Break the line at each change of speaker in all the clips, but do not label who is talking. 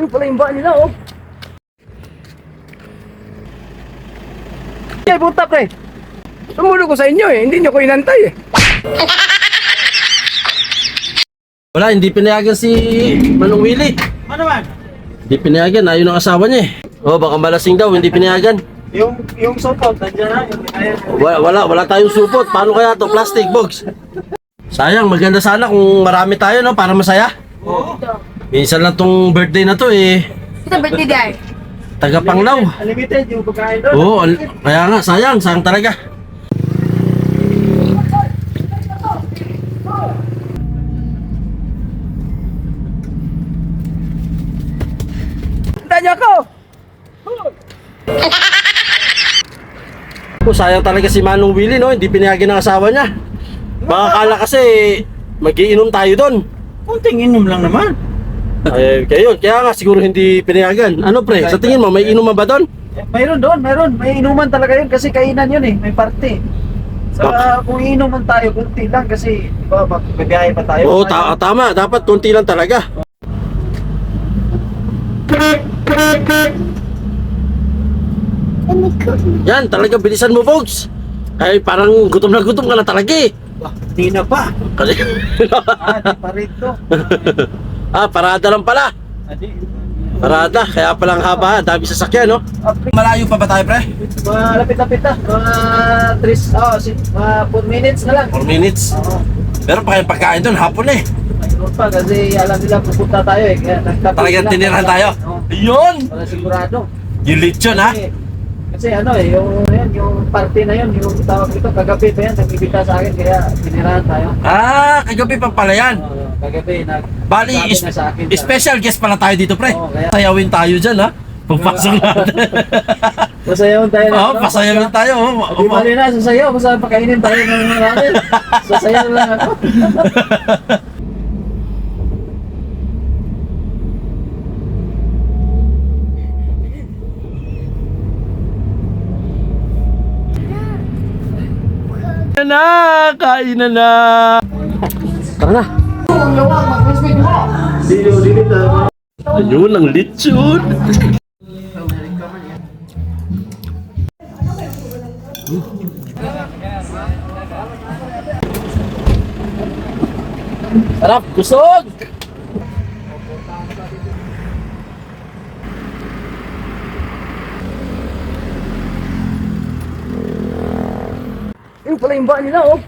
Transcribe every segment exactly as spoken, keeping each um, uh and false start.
Yun pala yung ba nila, oh. Ay, puta, pre. Sumulo ko sa inyo, eh. Hindi nyo ko inantay, eh.
Wala, hindi pinayagan si Manong Willie.
Ano man?
Hindi pinayagan, ayaw ng asawa niya eh. Oh, baka malasing daw, hindi pinayagan.
Yung yung support nandiyan na. Yung, ayan.
Wala, wala, wala tayong supot. Paano kaya to? Plastic box. Sayang, maganda sana kung marami tayo, no? Para masaya.
Oo.
Minsan lang tong birthday na to eh.
Ito birthday day.
Taga Panglaw.
Unlimited yung pagkain doon.
Oo, al- kaya nga, sayang, sayang talaga.
Tanya ko.
Oh, sayang talaga si Manong Willie, no? Hindi pinayagan ng asawa niya. Baka kala kasi magiinom tayo doon.
Kunting inom lang naman.
Ay, kaya yun, kaya nga siguro hindi pinayagan. Ano pre, sa tingin mo, may inuman ba doon?
Eh, mayroon doon, mayroon. May inuman talaga yun kasi kainan yun eh. May party. Sa
Bak-
kung inuman tayo, kunti lang kasi di ba, magbibiyahe pa tayo.
Oo, ta- tama. Dapat konti lang talaga. Yan, talaga bilisan mo, folks. Ay, parang gutom na gutom ka na talaga eh.
Bah, di na pa.
Kasi...
Ah, di pa rin to.
ah, parada lang pala.
Ah, di.
Parada, kaya palang haba, dami sasakyan, no?
Ah, pre,
Malayo pa ba tayo, pre?
mga lapit-lapit na. Mga three, oh, si, mga four minutes na lang.
four minutes.
Oo.
Meron pa kayong pagkain doon, hapon eh.
Mayroon pa kasi alam nila pupunta tayo eh. Kaya nagtapos
Talagang
sila.
tinirahan tayo.
Oo.
Yun!
Para sigurado.
Yung lechon, ha?
Kasi, kasi ano eh, yung, yan, yung party na yun, yung tawag dito, kagabi pa yan, nagbibita sa akin, kaya tinirahan tayo.
Ah, kagabi pa pala yan.
Oo, kagabi, nag
Bali,
sabi
is-
na sa akin.
special guest pala tayo dito, pre.
Oo, kaya-
Sayawin tayo dyan, ha? Pagpasok natin.
Pasayawan tayo
Oo, pasayawin tayo. oh.
Di ba rin na, sasayaw, basta pakainin tayo ng natin. Sasayaw lang ako.
Kain na, kain na na. Tara na. Ayun, ang lechon. Sarap, kusog.
Yun pala yung ba nila, oh.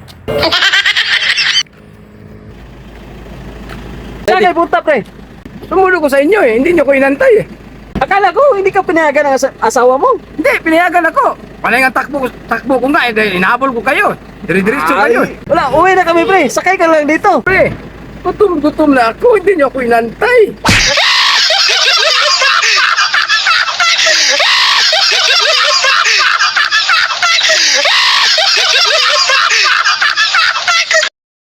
Ay, puta, pre. Sumulo ko sa inyo, eh. Hindi nyo ko inantay, eh.
Akala ko, hindi ka pinayagan ng asa- asawa mo.
Hindi, pinayagan ako. Panay nga takbo, takbo ko nga, eh. Inahabol ko kayo. Dire-diretso kayo, eh.
Wala, uwi na kami pre. Sakay ka lang dito.
Pre, gutom-gutom na ako. Hindi nyo ako inantay.